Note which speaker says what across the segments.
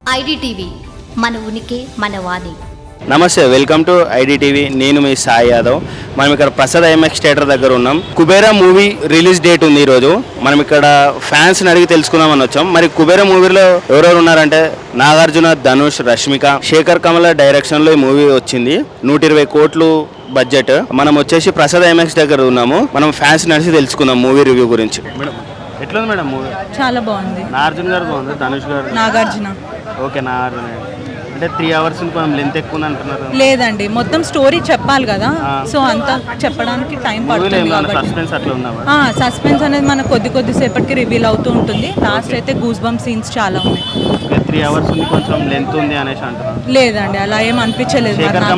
Speaker 1: IDTV మన ఉనికి మన వాణి.
Speaker 2: నమస్తే, వెల్కమ్ టు ఐడిటీవీ. నేను మీ సాయి యాదవ్. మనం ఇక్కడ ప్రసాద్ ఐఎంఎక్స్ థియేటర్ దగ్గర ఉన్నాం. కుబేరా మూవీ రిలీజ్ డేట్ ఉంది ఈరోజు. మనం ఇక్కడ ఫ్యాన్స్ని అడిగి తెలుసుకుందామని వచ్చాం. మరి కుబేరా మూవీలో ఎవరెవరు ఉన్నారంటే నాగార్జున, ధనుష్, రష్మిక, శేఖర్ కమల డైరెక్షన్లో ఈ మూవీ వచ్చింది. 120 కోట్లు బడ్జెట్. మనం వచ్చేసి ప్రసాద్ ఐఎంఎక్స్ దగ్గర ఉన్నాము. మనం ఫ్యాన్స్ నడిచి తెలుసుకుందాం మూవీ రివ్యూ గురించి. మేడం ఎట్లా ఉంది మేడం మూవీ?
Speaker 3: చాలా బాగుంది.
Speaker 2: నాగార్జున గారు బాగుంది, ధనుష్ గారు,
Speaker 3: నాగార్జున.
Speaker 2: ఓకే, నాగార్జున అంటే 3 hours కొంచెం లెంత్ ఎక్కువ ఉంది అంటున్నారు.
Speaker 3: లేదండి, మొత్తం స్టోరీ చెప్పాలి కదా, సో అంతా చెప్పడానికి టైం పడుతుంది
Speaker 2: సస్పెన్స్ అట్లా ఉందా?
Speaker 3: సస్పెన్స్ అనేది మనకు కొద్దిసేపటికి రివీల్ అవుతూ ఉంటుంది. లాస్ట్ అయితే గూస్ బంప్ సీన్స్ చాలా ఉన్నాయి.
Speaker 2: 3 hours ఉంది, కొంచెం లెంత్ ఉంది అనేసి అంటున్నారు.
Speaker 3: లేదండి, అలా ఏం అనిపించలేదు.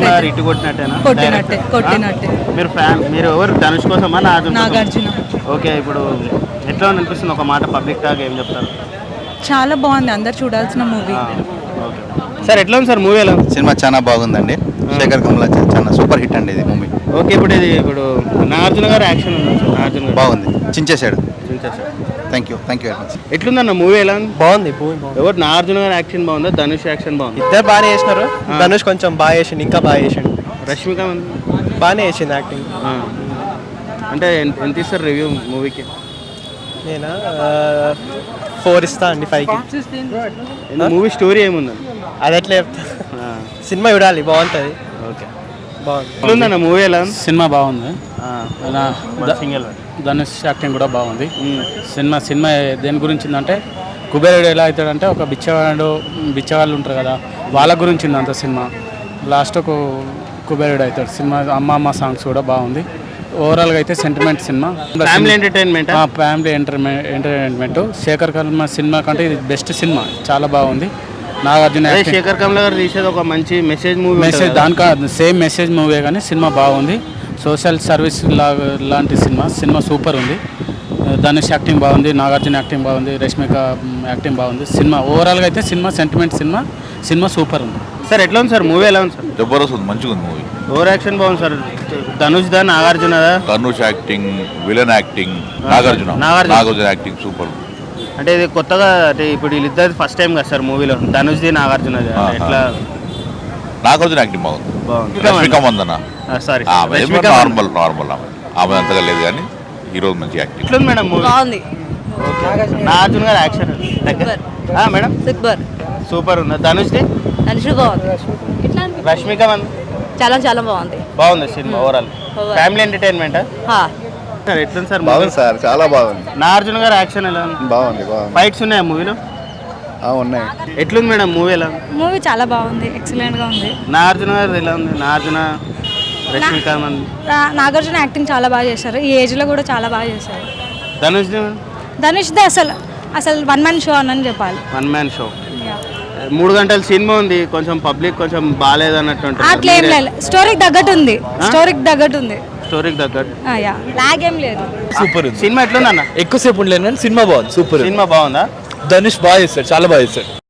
Speaker 3: కొట్టినట్టే.
Speaker 2: మీరు ఎవరు, ధనుష్ కోసమా
Speaker 3: నాగార్జున?
Speaker 2: ఓకే, ఇప్పుడు ఎట్లా అనిపిస్తుంది ఒక మాట పబ్లిక్ టాక్ ఏం చెప్తారు?
Speaker 3: చాలా బాగుంది, అందరు చూడాల్సిన మూవీ.
Speaker 2: సార్ ఎట్లా ఉంది సార్ మూవీ? ఎలా
Speaker 4: సినిమా చాలా బాగుందండి. శేఖర్ కమల చాలా సూపర్ హిట్ అండి ఇది మూవీ.
Speaker 2: ఓకే, ఇప్పుడు నాగార్జున గారు యాక్షన్ ఉంది, నాగార్జున
Speaker 4: బాగుంది, చించేశాడు. Thank you very much.
Speaker 2: ఎట్లుందన్న మూవీ? ఎలా ఉంది?
Speaker 5: బాగుంది.
Speaker 2: ఎవరు, నాగార్జున గారు యాక్షన్ బాగుందా, ధనుష్ యాక్షన్ బాగుంది?
Speaker 5: ఇద్దరు బాగానే చేసినారు. ధనుష్ కొంచెం బాగా చేసిండు, ఇంకా బాగా చేసిండు.
Speaker 2: రష్మిక
Speaker 5: బాగానే చేసింది యాక్టింగ్.
Speaker 2: అంటే ఎంత ఇస్తారు రివ్యూ మూవీకి?
Speaker 5: నేను 4 ఇస్తా అండి 5కి.
Speaker 2: మూవీ స్టోరీ ఏముందండి?
Speaker 5: అది ఎట్లా చెప్తా, సినిమా చూడాలి, బాగుంటుంది.
Speaker 2: ఓకే,
Speaker 5: బాగుంది.
Speaker 2: ఎట్లుందన్న మూవీ? ఎలా ఉంది?
Speaker 6: సినిమా బాగుంది.
Speaker 2: సింగిల్
Speaker 6: ధనుష్ యాక్టింగ్ కూడా బాగుంది. సినిమా దేని గురించి ఉందంటే, కుబేరుడు ఎలా అవుతాడంటే ఒక బిచ్చవాళ్ళు ఉంటారు కదా, వాళ్ళ గురించి ఉంది అంత సినిమా. లాస్ట్కు కుబేరుడు అవుతాడు. సినిమా అమ్మ సాంగ్స్ కూడా బాగుంది. ఓవరాల్గా అయితే sentiment cinema, family entertainment. Sekhar Kammula cinema కంటే ఇది బెస్ట్ సినిమా, చాలా బాగుంది. నాగార్జున
Speaker 2: శేఖర్ కమల గారు తీసేది ఒక మంచి మెసేజ్
Speaker 6: దానికా సేమ్ మెసేజ్ మూవీ కానీ సినిమా బాగుంది. సోషల్ సర్వీస్ లాంటి సినిమా సూపర్ ఉంది. ధనుష్ యాక్టింగ్ బాగుంది, నాగార్జున యాక్టింగ్ బాగుంది, రష్మిక యాక్టింగ్ బాగుంది. సినిమా ఓవరాల్గా అయితే సెంటిమెంట్ సినిమా సూపర్ ఉంది.
Speaker 2: సార్ ఎట్లా ఉంది సార్ మూవీ? ఎలా ఉంది సార్?
Speaker 4: జబర్దస్త్ ఉంది, మంచిగా ఉంది మూవీ.
Speaker 2: ఓవర్ యాక్షన్ బాగుంది సార్. ధనుష్ దా, నాగార్జున దా?
Speaker 4: Dhanush acting, villain acting, Nagarjuna acting super.
Speaker 2: అంటే ఇది కొత్తగా, అంటే ఇప్పుడు వీళ్ళిద్దరు ఫస్ట్ టైం కదా సార్ మూవీలో, ధనుష్ది నాగార్జున ఎట్లా?
Speaker 4: నాగార్జున యాక్టింగ్ బాగుంది. రష్మిక మందన
Speaker 2: సారీ
Speaker 4: నార్మల్ ఆమె అంతగా లేదు కానీ ఈరోజు మంచి యాక్టింగ్.
Speaker 2: ఎట్లా ఉంది మేడం మూవీ?
Speaker 7: బాగుంది.
Speaker 2: నాగార్జున గారు యాక్షన్ మేడం సూపర్ ఉంది. ధనుష్ది
Speaker 7: బాగుంది.
Speaker 2: రష్మిక
Speaker 7: చాలా బాగుంది.
Speaker 2: బాగుంది cinema overall. Family entertainment sir. ఎట్లుంది సార్?
Speaker 4: బాగుంది సార్, చాలా బాగుంది.
Speaker 2: నాగార్జున గారు యాక్షన్ ఎలా ఉంది?
Speaker 4: బాగుంది.
Speaker 2: ఫైట్స్ ఉన్నాయా మూవీలో?
Speaker 4: ఉన్నాయి.
Speaker 2: ఎట్లుంది మేడం మూవీ? ఎలా
Speaker 7: మూవీ చాలా బాగుంది, ఎక్సలెంట్ గా ఉంది.
Speaker 2: నాగార్జున గారు ఎలా ఉంది? నాగార్జున, రష్మిక
Speaker 7: నాగార్జున యాక్టింగ్ చాలా బాగా చేశారు. ఈ ఏజ్ లో కూడా చాలా బాగా చేశారు.
Speaker 2: ధనుష్
Speaker 7: అసలు 1 man షో అని చెప్పాలి.
Speaker 2: 1 man షో. 3 గంటల సినిమా ఉంది. కొంచెం పబ్లిక్ కొంచెం బాగాలేదు అన్నట్టు.
Speaker 7: అట్లేం లేదు, స్టోరీకి తగ్గట్టు ఉంది. స్టోరీకి తగ్గట్టు లాగ్ ఏం లేదు.
Speaker 5: సూపర్
Speaker 2: సినిమా ఎట్లుందన్న?
Speaker 5: ఎక్కువసేపు ఉండలేదు కానీ సినిమా బాగుంది, సూపర్.
Speaker 2: సినిమా బాగుందా?
Speaker 5: ధనుష్ బాగా చేస్తాడు, చాలా బాగా చేస్తాడు.